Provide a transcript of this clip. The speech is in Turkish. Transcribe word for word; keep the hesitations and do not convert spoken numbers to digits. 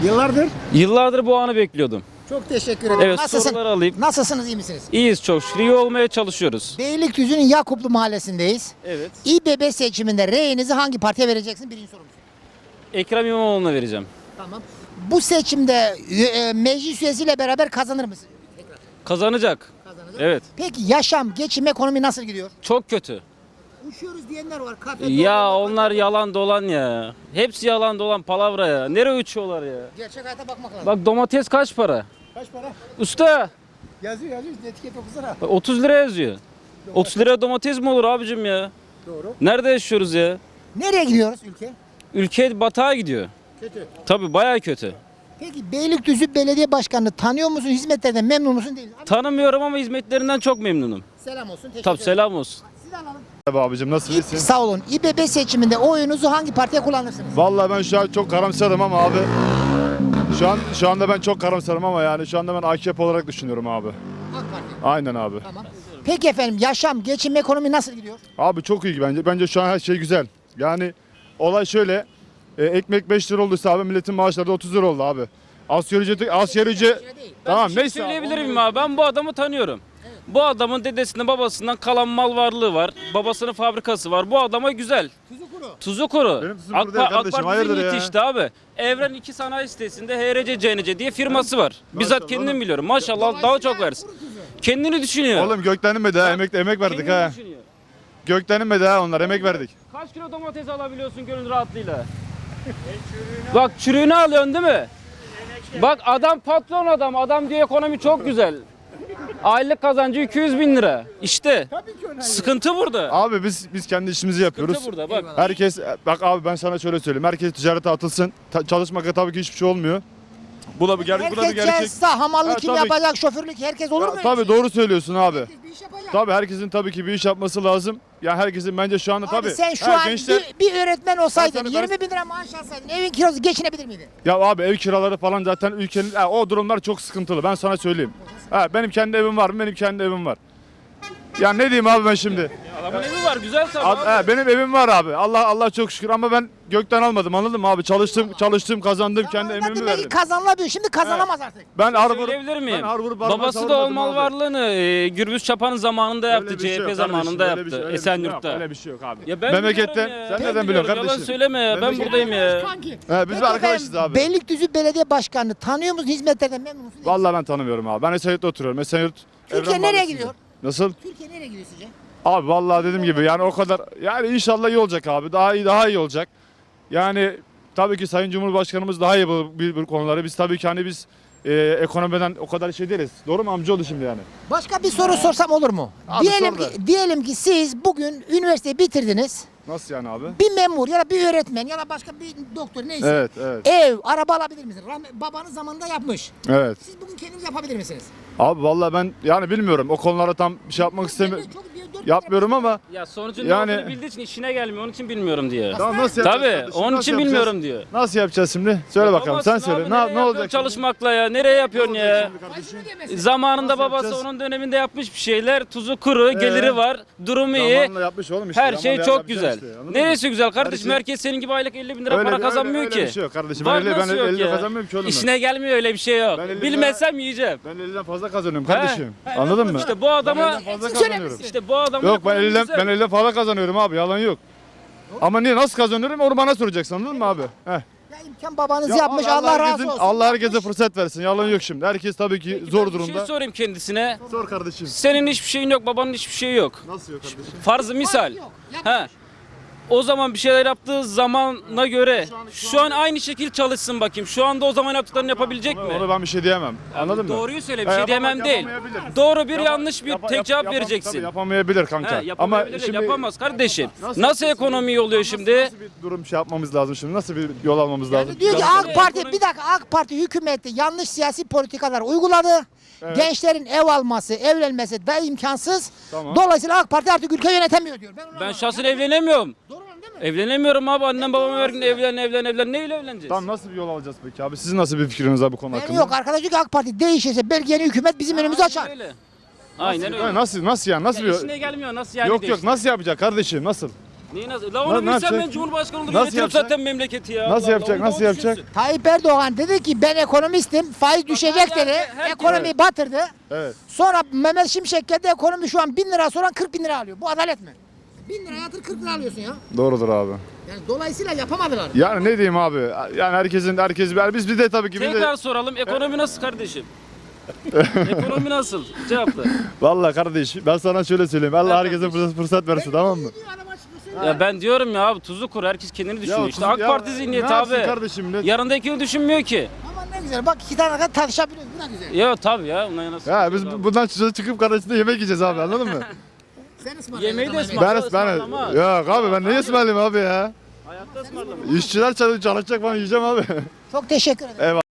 Yıllardır. Yıllardır bu anı bekliyordum. Çok teşekkür ederim. Evet, Nasılsın? soruları alayım. Nasılsınız, iyi misiniz? İyiyiz çok şükür. İyi olmaya çalışıyoruz. Beylikdüzü'nün Yakuplu mahallesindeyiz. Evet. İBB seçiminde reyinizi hangi partiye vereceksin? Birinci sorumuz. Ekrem İmamoğlu'na vereceğim. Tamam. Bu seçimde e, meclis üyesiyle beraber kazanır mısın? Kazanacak. Kazanacak. Evet. Peki yaşam, geçim, ekonomi nasıl gidiyor? Çok kötü. Uçuyoruz diyenler var. Kafe, Ya dolma, onlar kafe. yalan dolan ya. Hepsi yalan dolan palavra ya. Nereye uçuyorlar ya? Gerçek hayata bakmak lazım. Bak domates kaç para? Kaç para? Usta Yazıyor yazıyor. Etiket okusana. bak otuz lira yazıyor. otuz liraya domates mi olur abicim ya? Doğru. Nerede yaşıyoruz ya? Nereye gidiyoruz ülke? Ülke batağa gidiyor. Kötü. Tabii bayağı kötü. Peki Beylikdüzü Belediye Başkanı'nı tanıyor musun? Hizmetlerden memnun musun değil mi? Abi, Tanımıyorum ama hizmetlerinden çok memnunum. selam olsun. Teşekkür Tabii ederim. selam olsun. Sizi alalım. Merhaba abicim, İ- nasılsın? Sağ olun. İBB seçiminde oyunuzu hangi partiye kullanırsınız? Vallahi ben şu an çok karamsarım ama abi. Şu an şu anda ben çok karamsarım ama yani şu anda ben A K P olarak düşünüyorum abi. AK Parti. Aynen abi. Tamam. Peki efendim yaşam, geçim, ekonomi nasıl gidiyor? Abi çok iyi bence. Bence şu an her şey güzel. Yani olay şöyle. e, ekmek beş lira olduysa abi milletin maaşları da otuz lira oldu abi. Asgari ücreti asgari ücret. Tamam Bir şey neyse. söyleyebilir abi, miyim abi? Ben bu adamı tanıyorum. Bu adamın dedesinden babasından kalan mal varlığı var. Babasının fabrikası var. Bu adama güzel. Tuzu kuru. Tuzu kuru. Benim tuzum AK, kuru değil Pa- AK kardeşim, Parti hayırdır ya? yetişti abi. Evren iki sanayi sitesinde H R C C N C diye firması var. Bizzat Maşallah kendim oğlum. biliyorum. Maşallah daha çok versin. Kendini düşünüyor. Oğlum gökten inmedi ha. Emek, emek verdik Kendini ha. düşünüyor. Gökten inmedi ha onlar. Emek verdik. Kaç kilo domates alabiliyorsun gönül rahatlığıyla? Bak çürüğünü alıyorsun değil mi? Bak adam patron adam. Adam diyor ekonomi çok güzel. Aylık kazancı iki yüz bin lira. İşte sıkıntı burada. Abi biz biz kendi işimizi yapıyoruz. Sıkıntı burada bak. Herkes bak abi ben sana şöyle söyleyeyim. Herkes ticarete atılsın. Ta- çalışmakla tabii ki hiçbir şey olmuyor. Bu da bir, ger- bu da bir Herkes gerçek. ceza, hamallık Ha, kim tabii. yapacak, şoförlük herkes olur Ya, mu? öyle tabii şey? doğru söylüyorsun abi. Herkes bir iş yapacak. Tabii herkesin tabii ki bir iş yapması lazım. Yani herkesin bence şu anda Abi tabii. sen şu Ha, an gençler- bir, bir öğretmen olsaydın, Ben sana- yirmi bin lira maaş alsaydın, evin kirası geçinebilir miydin? Ya abi ev kiraları falan zaten ülkenin ha, o durumlar çok sıkıntılı. Ben sana söyleyeyim. Ha, benim kendi evim var mı? Benim kendi evim var. Ya ne diyeyim abi ben şimdi? Adamın evi var güzel tabii Ad- abi. ha, benim evim var abi. Allah Allah çok şükür ama ben gökten almadım anladın mı abi? Çalıştım, çalıştım, kazandım, kendi Zamanında emeğimi demek ki verdim. kazanılabiliyor. Şimdi kazanamaz artık. Ben har vurup Söyleyebilir miyim? ben har vurup barıma Babası da o savurmadım mal abi. varlığını e, Gürbüz Çapa'nın zamanında Öyle yaptı. bir şey C H P yok zamanında kardeşim, öyle bir yaptı. şey- öyle bir şey yok, Esenyurt'ta. Öyle bir şey yok abi. Ya ben Memlekette biliyorum ya. sen Ben neden biliyorsun biliyorum, kardeşim? Yalan söyleme ya. Ben Memlekette- buradayım ya. Kanki. He, biz Peki de arkadaşız efendim, abi. Beylikdüzü Belediye Başkanı tanıyor musun? Hizmetlerden memnun musun? Vallahi ben tanımıyorum abi. Ben Esenyurt'ta oturuyorum. Esenyurt Türkiye Evren nereye Mahallesi'nde. gidiyor? Nasıl? Türkiye nereye gidiyor sizce? Abi vallahi dediğim gibi yani o kadar yani inşallah iyi olacak abi. Daha iyi daha iyi olacak. Yani tabii ki Sayın Cumhurbaşkanımız daha iyi bu, bu, bu konuları. Biz tabii ki hani biz e, ekonomiden o kadar şey değiliz. Doğru mu amcaoğlu şimdi yani? Başka bir soru sorsam olur mu? Abi diyelim sor ki diyelim ki siz bugün üniversiteyi bitirdiniz. Nasıl yani abi? Bir memur ya da bir öğretmen ya da başka bir doktor neyse. Evet, evet. Ev, araba alabilir misiniz? Rahmet, babanız zamanında yapmış. Evet. Siz bugün kendiniz yapabilir misiniz? Abi vallahi ben yani bilmiyorum. O konulara tam bir şey yapmak istemiyorum. Çok- bir- dört- Yapmıyorum ama Ya sonucun Yani- ne olduğunu bildiği için işine gelmiyor. Onun için bilmiyorum diyor. Tamam, nasıl yapacağız Tabii kardeşim? onun Nasıl için yapacağız? bilmiyorum diyor. Nasıl yapacağız şimdi? Söyle bakalım sen Yapamazsın söyle. abi, Ne, nereye ne yapıyorsun olacak? çalışmakla ya? Nereye yapıyorsun ya? Maaşını ödeyemezsin. Zamanında Nasıl babası yapacağız? onun döneminde yapmış bir şeyler. Tuzu kuru, geliri var, durumu iyi. Zamanla yapmış oğlum işte. Her şey Zamanla çok yapacaksın güzel. işte, anladın mı? Neresi güzel kardeşim? Her şey- Herkes senin gibi aylık elli bin lira Öyle para bir- kazanmıyor öyle, ki. Öyle bir şey yok kardeşim. Var, Ben elli, ben nasıl yok elli ya? kazanmıyorum ki oğlum. ben. İşine gelmiyor öyle bir şey yok. Ben elli Bilmesem yiyeceğim. Ben elliden fazla kazanıyorum He? kardeşim. Anladın mı? İşte bu adama Ben elden fazla Siz kazanıyorum. söylemişsiniz. işte bu adamın Yok ben ekonomi elden güzel. ben elden fazla kazanıyorum abi. Yalan yok. Ama niye nasıl kazanıyorum onu bana soracaksın anladın mı abi? Heh. Ya imkan babanız Ya yapmış. abi, Allah, razı herkesin- olsun. Allah herkese fırsat versin. Yalan yok şimdi. Herkes tabii ki Peki zor ben Bir durumda. şey sorayım kendisine. Sor kardeşim. Senin hiçbir şeyin yok, babanın hiçbir şeyi yok. Nasıl yok kardeşim? Farzı misal. Yok, He. O zaman bir şeyler yaptığı zamana göre şu an aynı şekil çalışsın bakayım. Şu anda o zaman yaptıklarını yapabilecek mi? Onu ben bir şey diyemem. Anladın mı? Doğruyu söyle, bir Ha, şey yapama- diyemem değil. yapamayabilir. Doğru bir Yapa- yanlış bir yapa- tek yap- cevap yapam- vereceksin. Tabii yapamayabilir kanka. He, yapabilir, şimdi yapamaz kardeşim. Nasıl Nasıl, yapacaksın? ekonomi iyi oluyor şimdi? Nasıl bir durum şey yapmamız lazım şimdi? Nasıl bir yol almamız lazım? Diyor ki Ya- AK Parti Ekonomi- bir dakika AK Parti hükümeti yanlış siyasi politikalar uyguladı. Evet. Gençlerin ev alması, evlenmesi da imkansız. Tamam. Dolayısıyla AK Parti artık ülke yönetemiyor diyor. Ben, onu Ben anlamadım. şahsen evlenemiyorum. Doğru mu değil mi? Evlenemiyorum abi. Annem babam her gün evlen evlen evlen. Neyle evleneceğiz? Tamam nasıl bir yol alacağız peki abi? Sizin nasıl bir fikriniz var bu konu Benim hakkında? yok arkadaş diyor ki AK Parti değişirse belki yeni hükümet bizim önümüzü açar. Aynen öyle. Aynen Ha, öyle. Nasıl nasıl yani? Nasıl Ya bir işine gelmiyor nasıl yani Yok yok değişti? nasıl yapacak kardeşim? Nasıl? Neyi nasıl? La Ne- onu ne bilsem yapacak? ben Cumhurbaşkanı olur. Nasıl Yönetiyorum yapacak? zaten memleketi ya. Nasıl Allah yapacak, Allah, onu nasıl da o yapacak? düşünsün. Tayyip Erdoğan dedi ki ben ekonomistim, faiz düşecek her- dedi, her- ekonomiyi batırdı. Evet. Sonra Mehmet Şimşek geldi, ekonomi şu an bin lira soran kırk bin lira alıyor. Bu adalet mi? bin lira yatır kırk lira alıyorsun ya. Doğrudur abi. Yani dolayısıyla yapamadılar. Yani ne diyeyim abi? Yani herkesin herkes biz bir de tabii ki bir de Tekrar soralım. Ekonomi nasıl kardeşim? Ekonomi nasıl? Cevapla. vallahi kardeş ben sana şöyle söyleyeyim. Allah Evet herkese kardeşim. fırsat, fırsat versin tamam mı? Ya ben diyorum ya abi tuzu kur. Herkes kendini düşünüyor. işte tuz- AK ya Parti zihniyeti ne yapsın abi. kardeşim millet? Yarındakini düşünmüyor ki. Ama ne güzel bak iki tane kadar tartışabiliyoruz. Bu da güzel. Ya tabii ya. Ondan nasıl Ya biz abi. bundan çıkıp çıkıp kardeşinde yemek yiyeceğiz abi anladın mı? Sen ısmarla. Yemeği de Yemeği ısmarla. ben ben ısmarlama. yok abi ben ne ısmarlayayım abi ya? Hayatta ısmarlama. İşçiler çalış- çalışacak falan yiyeceğim abi. Çok teşekkür ederim. Eyvallah.